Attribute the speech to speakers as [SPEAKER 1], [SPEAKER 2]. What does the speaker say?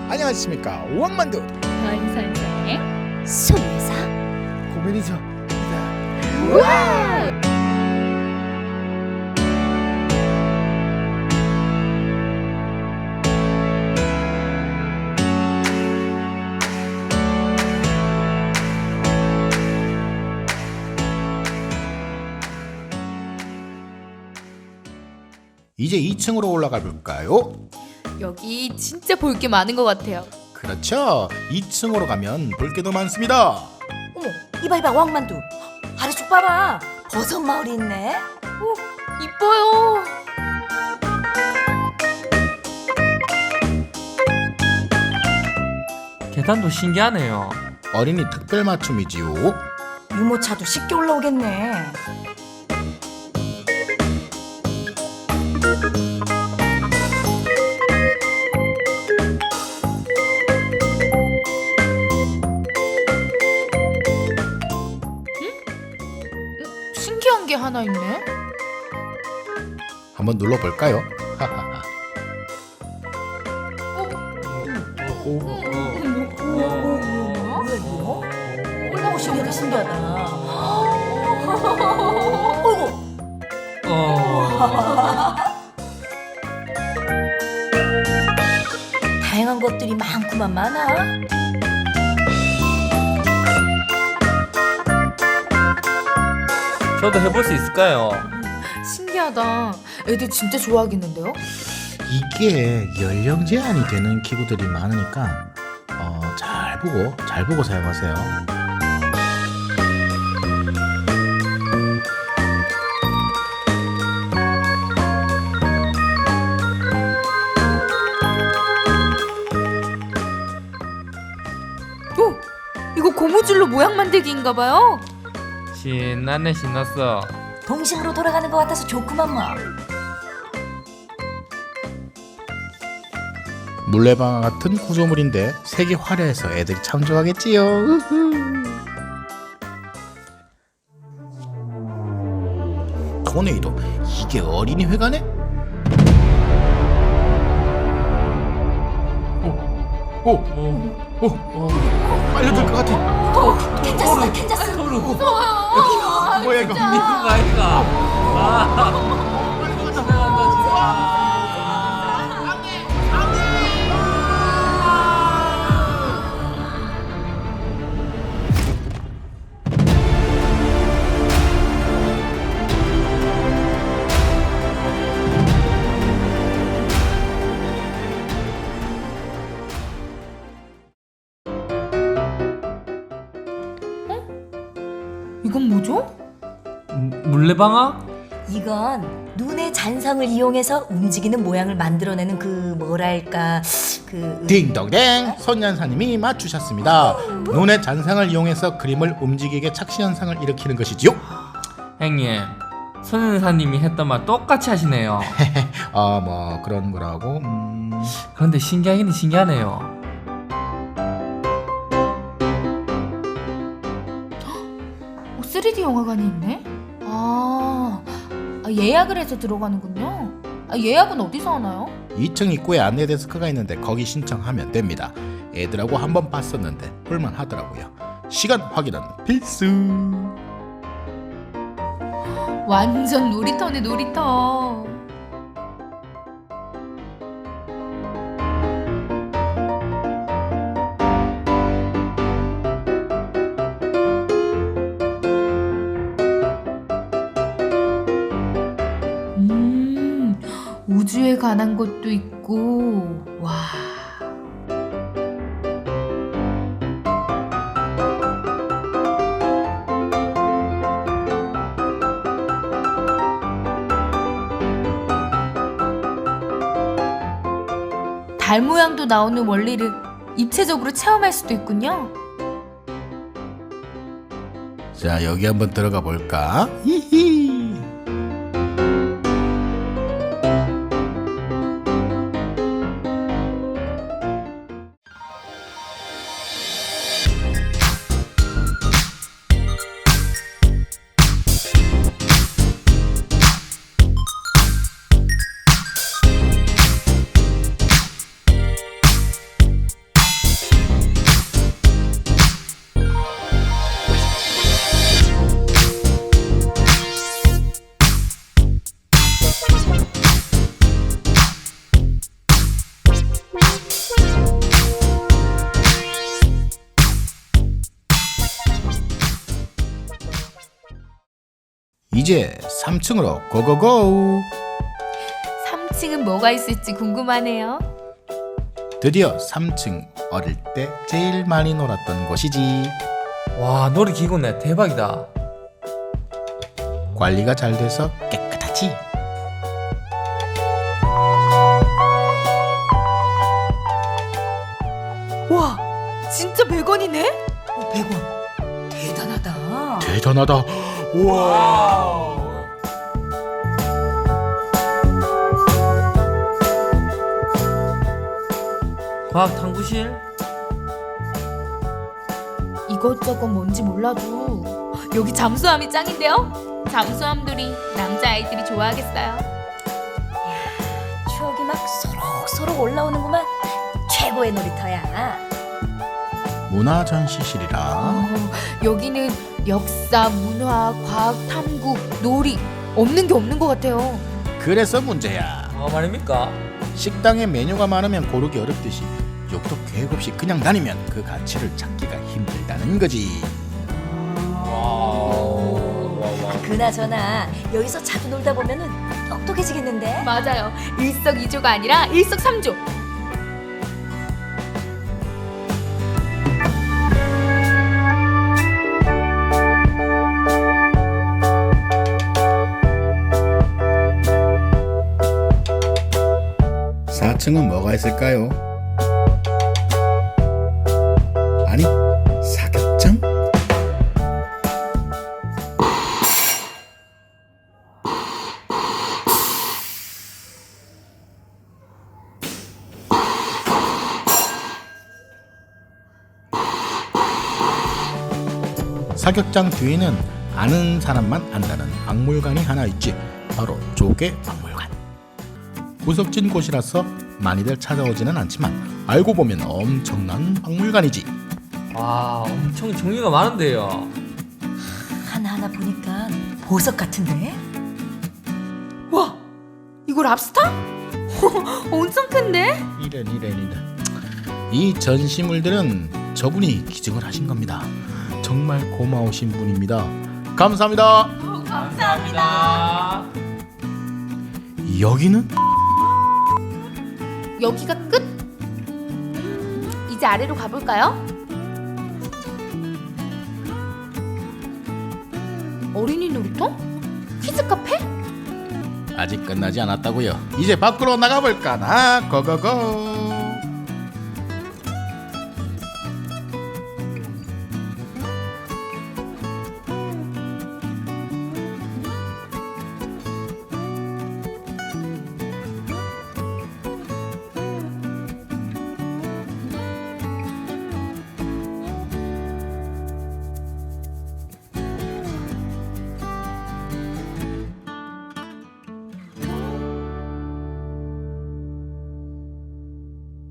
[SPEAKER 1] 안녕하십니까, 오왕만두
[SPEAKER 2] 권 선생의
[SPEAKER 3] 손예사.
[SPEAKER 1] 고민이죠.
[SPEAKER 2] 우와!
[SPEAKER 1] 이제 2층으로 올라가 볼까요?
[SPEAKER 2] 여기 진짜 볼 게 많은 것 같아요.
[SPEAKER 1] 그렇죠. 2층으로 가면 볼 게도 많습니다.
[SPEAKER 3] 어머, 이봐 왕만두. 아래쪽 봐봐. 버섯 마을이 있네.
[SPEAKER 2] 이뻐요.
[SPEAKER 4] 계단도 신기하네요.
[SPEAKER 1] 어린이 특별 맞춤이지요.
[SPEAKER 3] 유모차도 쉽게 올라오겠네.
[SPEAKER 2] 신기한 게 하나 있네.
[SPEAKER 1] 한번 눌러볼까요?
[SPEAKER 3] 뭐야 이거? 올라오시는 게 신기하다. 다양한 것들이 많구만 많아.
[SPEAKER 4] 저도 해볼 수 있을까요?
[SPEAKER 2] 신기하다. 애들 진짜 좋아하겠는데요?
[SPEAKER 1] 이게 연령 제한이 되는 기구들이 많으니까 잘 보고 사용하세요.
[SPEAKER 2] 이거 고무줄로 모양 만들기인가 봐요.
[SPEAKER 4] 신났네 신났어.
[SPEAKER 3] 동심으로 돌아가는 것 같아서 좋구만 뭐.
[SPEAKER 1] 물레방아 같은 구조물인데 색이 화려해서 애들이 참 좋아하겠지요. 토네이도, 이게 어린이 회관에? 빨려들 것 같아.
[SPEAKER 3] 괜찮았어.
[SPEAKER 1] 뭐야 이거?
[SPEAKER 4] 이거 아닌가?
[SPEAKER 2] 이건 뭐죠?
[SPEAKER 4] 물레방아?
[SPEAKER 3] 이건 눈의 잔상을 이용해서 움직이는 모양을 만들어내는 그 뭐랄까 그
[SPEAKER 1] 딩동댕, 손연사님이 맞추셨습니다. 눈의 잔상을 이용해서 그림을 움직이게 착시 현상을 일으키는 것이지요.
[SPEAKER 4] 형님, 손은사님이 했던 말 똑같이 하시네요.
[SPEAKER 1] 뭐 그런 거라고.
[SPEAKER 4] 그런데 신기하긴 신기하네요.
[SPEAKER 2] 3D 영화관이 있네? 예약을 해서 들어가는군요. 예약은 어디서 하나요?
[SPEAKER 1] 2층 입구에 안내 데스크가 있는데 거기 신청하면 됩니다. 애들하고 한번 봤었는데 볼만 하더라고요. 시간 확인은 필수.
[SPEAKER 2] 완전 놀이터네, 놀이터. 우주에 관한 것도 있고, 와. 달 모양도 나오는 원리를 입체적으로 체험할 수도 있군요.
[SPEAKER 1] 자, 여기 한번 들어가 볼까? 히히. 이제 3층으로 고고고.
[SPEAKER 2] 3층은 뭐가 있을지 궁금하네요.
[SPEAKER 1] 드디어 3층, 어릴 때 제일 많이 놀았던 곳이지.
[SPEAKER 4] 와, 놀이기구네. 대박이다.
[SPEAKER 1] 관리가 잘 돼서 깨끗하지.
[SPEAKER 2] 와, 진짜 100원이네?
[SPEAKER 3] 100원. 대단하다.
[SPEAKER 1] 대단하다. 우와.
[SPEAKER 4] 과학 탐구실?
[SPEAKER 2] 이것저것 뭔지 몰라도 여기 잠수함이 짱인데요? 잠수함들이 남자아이들이 좋아하겠어요.
[SPEAKER 3] 추억이 막 소록소록 올라오는구만. 최고의 놀이터야.
[SPEAKER 1] 문화 전시실이라.
[SPEAKER 2] 여기는 역사, 문화, 과학, 탐구, 놀이 없는 게 없는 것 같아요.
[SPEAKER 1] 그래서 문제야.
[SPEAKER 4] 말입니까?
[SPEAKER 1] 식당에 메뉴가 많으면 고르기 어렵듯이 욕도 계획 없이 그냥 다니면 그 가치를 찾기가 힘들다는 거지.
[SPEAKER 4] 와우.
[SPEAKER 3] 그나저나 여기서 자주 놀다 보면은 똑똑해지겠는데?
[SPEAKER 2] 맞아요. 일석이조가 아니라 일석삼조.
[SPEAKER 1] 사 4층은 뭐가 있을까요? 아니, 사격장? 사격장 뒤에는 아는 사람만 안다는 박물관이 하나 있지. 바로 조개 박물관. 구석진 곳이라서 많이들 찾아오지는 않지만 알고 보면 엄청난 박물관이지.
[SPEAKER 4] 와, 엄청 종류가 많은데요.
[SPEAKER 3] 하나하나 보니까 보석 같은데?
[SPEAKER 2] 와, 이거 랍스터? 엄청 큰데?
[SPEAKER 1] 이런. 이 전시물들은 저분이 기증을 하신 겁니다. 정말 고마우신 분입니다. 감사합니다.
[SPEAKER 4] 감사합니다.
[SPEAKER 1] 여기는
[SPEAKER 2] 여기가 끝? 이제 아래로 가볼까요? 어린이 놀이터? 키즈 카페?
[SPEAKER 1] 아직 끝나지 않았다고요. 이제 밖으로 나가볼까나. 고고고.